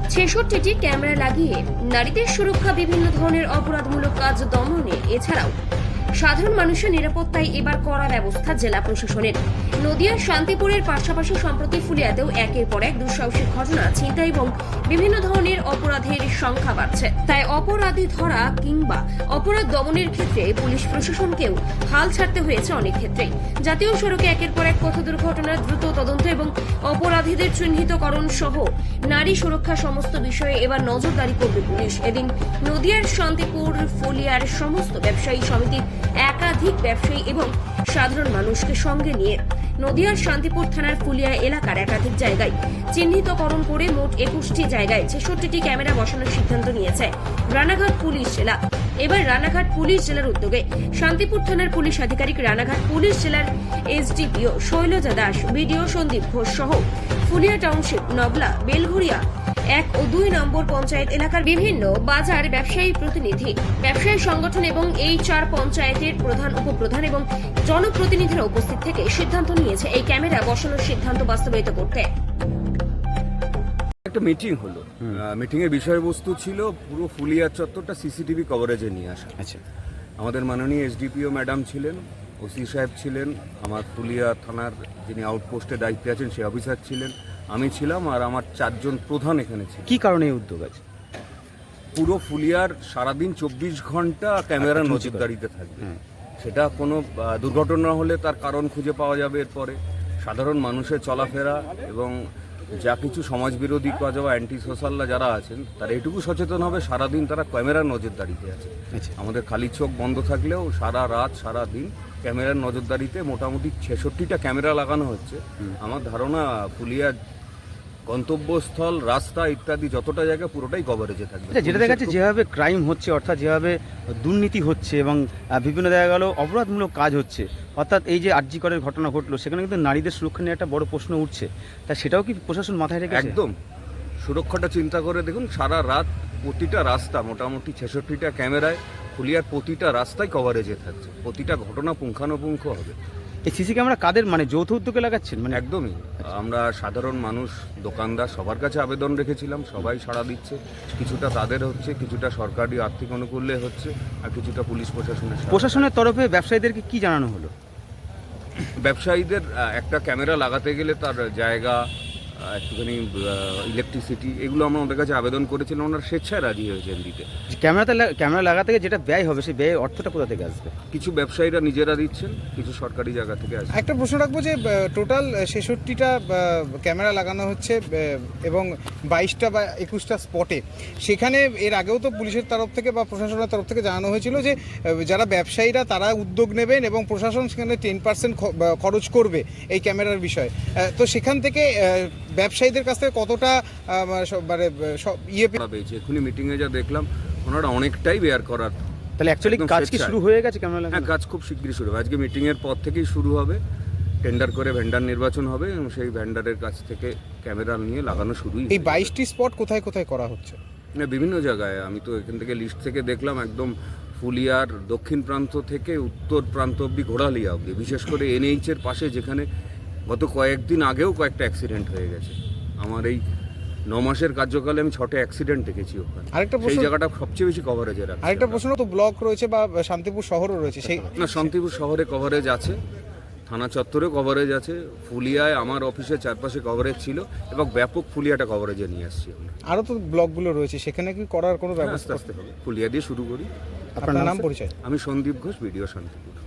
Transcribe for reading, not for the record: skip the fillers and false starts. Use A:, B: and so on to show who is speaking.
A: ছেষট্টিটি camera লাগিয়ে নারীদের সুরক্ষা, বিভিন্ন ধরনের অপরাধমূলক কাজ দমনে, এছাড়াও সাধারণ মানুষের নিরাপত্তায় এবার কড়া ব্যবস্থা জেলা প্রশাসনের। নদিয়ার শান্তিপুরের পাশাপাশি সম্প্রতি ফুলিয়াতেও একের পর এক দুঃসাহসিক ঘটনা, ছিনতাই এবং বিভিন্ন ধরনের অপরাধের সংখ্যা বাড়ছে। তাই অপরাধী ধরা কিংবা অপরাধ দমনের ক্ষেত্রে পুলিশ প্রশাসনকেও হাল ছাড়তে হয়েছে অনেক ক্ষেত্রেই। জাতীয় সড়কে একের পর এক পথ দুর্ঘটনার দ্রুত তদন্ত এবং অপরাধীদের চিহ্নিতকরণ সহ নারী সুরক্ষা সমস্ত বিষয়ে এবার নজরদারি করবে পুলিশ। এদিন নদিয়ার শান্তিপুর ফুলিয়ার সমস্ত ব্যবসায়ী সমিতির একাধিক ব্যবসায়ী এবং সাধারণ মানুষকে সঙ্গে নিয়ে নদিয়ার শান্তিপুর থানার ফুলিয়া এলাকার একাধিক জায়গায় চিহ্নিতকরণ করে মোট 21টি জায়গায় 66টি ক্যামেরা বসানোর সিদ্ধান্ত নিয়েছে রানাঘাট পুলিশ জেলা। এবার রানাঘাট পুলিশ জেলার উদ্যোগে শান্তিপুর থানার পুলিশ আধিকারিক, রানাঘাট পুলিশ জেলার এসডিপিও শৈলজা দাস, বিডিও সন্দীপ ঘোষ সহ ফুলিয়া টাউনশিপ, নবলা, বেলঘরিয়া 1 ও 2 নম্বর পঞ্চায়েত এলাকার বিভিন্ন বাজার ব্যবসায়ী প্রতিনিধি, ব্যবসায়ী সংগঠন এবং এই 4 পঞ্চায়েতের প্রধান, উপপ্রধান এবং জনপ্রতিনিধিরা উপস্থিত থেকে সিদ্ধান্ত নিয়েছে এই ক্যামেরা বসানোর সিদ্ধান্ত বাস্তবায়িত করতে।
B: একটা মিটিং হলো, মিটিং এর বিষয়বস্তু ছিল পুরো ফুলিয়া চত্বরটা সিসিটিভি কভারেজে নিয়ে আসা।
C: আচ্ছা,
B: আমাদের মাননীয় এসডিপিও ম্যাডাম ছিলেন, ওসি সাহেব ছিলেন, আমার ফুলিয়া থানার যিনি আউটপোস্টে দায়িত্বে আছেন সেই অফিসার ছিলেন, আমি ছিলাম, আর আমার 4 জন প্রধান এখানে ছিল।
C: কি কারণে এই উদ্যোগ আছে?
B: পুরো ফুলিয়ার সারাদিন 24 ঘন্টা ক্যামেরা নজরদারিতে থাকবে। সেটা কোনো দুর্ঘটনা হলে তার কারণ খুঁজে পাওয়া যাবে এরপরে। সাধারণ মানুষের চলাফেরা এবং যা কিছু সমাজবিরোধী কাজ বা অ্যান্টি সোশ্যালরা যারা আছেন তারা এটুকু সচেতন হবে, সারাদিন তারা ক্যামেরার নজরদারিতে আছে। আমাদের খালি চোখ বন্ধ থাকলেও সারা রাত সারা দিন ক্যামেরার নজরদারিতে মোটামুটি 66টা ক্যামেরা লাগানো হচ্ছে। আমার ধারণা ফুলিয়ার গন্তব্যস্থল, রাস্তা ইত্যাদি যতটা জায়গা পুরোটাই কভারেজে থাকবে।
C: যেটা দেখা যাচ্ছে যেভাবে ক্রাইম হচ্ছে, অর্থাৎ যেভাবে দুর্নীতি হচ্ছে এবং বিভিন্ন দেখা গেল অপরাধমূলক কাজ হচ্ছে, অর্থাৎ এই যে আরজি করের ঘটনা ঘটলো, সেখানে কিন্তু নারীদের সুরক্ষা নিয়ে একটা বড় প্রশ্ন উঠছে। তা সেটাও কি প্রশাসন মাথায় রেখেছে?
B: একদম, সুরক্ষাটা চিন্তা করে দেখুন, সারা রাত প্রতিটা রাস্তা মোটামুটি 66টা ক্যামেরায় ফুলিয়ার প্রতিটা রাস্তায় কভারেজে থাকছে, প্রতিটা ঘটনা পুঙ্খানুপুঙ্খ হবে।
C: এই সিসি ক্যামেরা কাদের মানে যৌথ উদ্যোগে লাগাচ্ছেন? মানে
B: একদমই, আমরা সাধারণ মানুষ, দোকানদার সবার কাছে আবেদন রেখেছিলাম, সবাই সাড়া দিচ্ছে। কিছুটা তাদের হচ্ছে, কিছুটা সরকারি আর্থিক অনুকূল্যে হচ্ছে, আর কিছুটা পুলিশ
C: প্রশাসনের তরফে ব্যবসায়ীদেরকে কি জানানো হলো?
B: ব্যবসায়ীদের একটা ক্যামেরা লাগাতে গেলে তার জায়গা, একটুখানি ইলেকট্রিসিটি, এগুলো আমরা ওদের কাছে আবেদন করেছিলাম, ওনারা স্বেচ্ছায় রাজি হয়েছেন দিতে।
C: ক্যামেরা লাগাতে গেলে যেটা ব্যয় হবে, সেই ব্যয়ের অর্থটা কোথা থেকে আসবে?
B: কিছু ব্যবসায়ীরা নিজেরা দিচ্ছেন, কিছু সরকারি জায়গা থেকে আসবে।
D: একটা প্রশ্ন রাখবো যে টোটাল 66টা ক্যামেরা লাগানো হচ্ছে এবং 22টা বা 21টা স্পটে, সেখানে এর আগেও তো পুলিশের তরফ থেকে বা প্রশাসনের তরফ থেকে জানানো হয়েছিল যে যারা ব্যবসায়ীরা তারা উদ্যোগ নেবেন এবং প্রশাসন সেখানে 10% খরচ করবে এই ক্যামেরার বিষয়ে। তো সেখান থেকে ব্যবসায়ীদের কাছ থেকে কতটা মানে
B: পেয়েছে? এখনই মিটিংয়ে যা দেখলাম ওনারা অনেকটাই বেয়ার করার।
C: তাহলে অ্যাকচুয়ালি কাজ কি শুরু হয়ে গেছে ক্যামেরা লাগানো?
B: হ্যাঁ, কাজ খুব শীঘ্রই শুরু হবে। আজকে মিটিংয়ের পর থেকেই শুরু হবে, টেন্ডার করে ভেন্ডার নির্বাচন হবে এবং সেই ভেন্ডারের কাছ থেকে ক্যামেরা নিয়ে লাগানো শুরুই।
D: এই 22টি স্পট কোথায় কোথায় করা হচ্ছে?
B: বিভিন্ন জায়গায়, আমি তো এখান থেকে লিস্ট থেকে দেখলাম, একদম ফুলিয়ার দক্ষিণ প্রান্ত থেকে উত্তর প্রান্ত অব্দি, ঘোড়ালিয়া অব্দি, বিশেষ করে NH-এর পাশে, যেখানে গত কয়েকদিন আগেও কয়েকটা অ্যাক্সিডেন্ট হয়ে গেছে। আমার এই 9 মাসের কার্যকালে আমি 6টা অ্যাক্সিডেন্ট দেখেছি ওখানে। সেই জায়গাটা সবচেয়ে বেশি কভারেজে রাখছে।
D: আরেকটা প্রশ্ন, তো ব্লক রয়েছে বা শান্তিপুর শহরও রয়েছে, সেই
B: না, শান্তিপুর শহরে কভারেজ আছে, থানা চত্বরেও কভারেজ আছে, ফুলিয়ায় আমার অফিসের চারপাশে কভারেজ ছিল এবং ব্যাপক ফুলিয়াটা কভারেজে নিয়ে আসছি।
D: আরও তো ব্লকগুলো রয়েছে, সেখানে কি করার কোনো ব্যবস্থা?
B: আস্তে আস্তে হবে, ফুলিয়া দিয়ে শুরু করি।
D: আপনার নাম, পরিচয়?
B: আমি সন্দীপ ঘোষ, ভিডিও শান্তিপুর।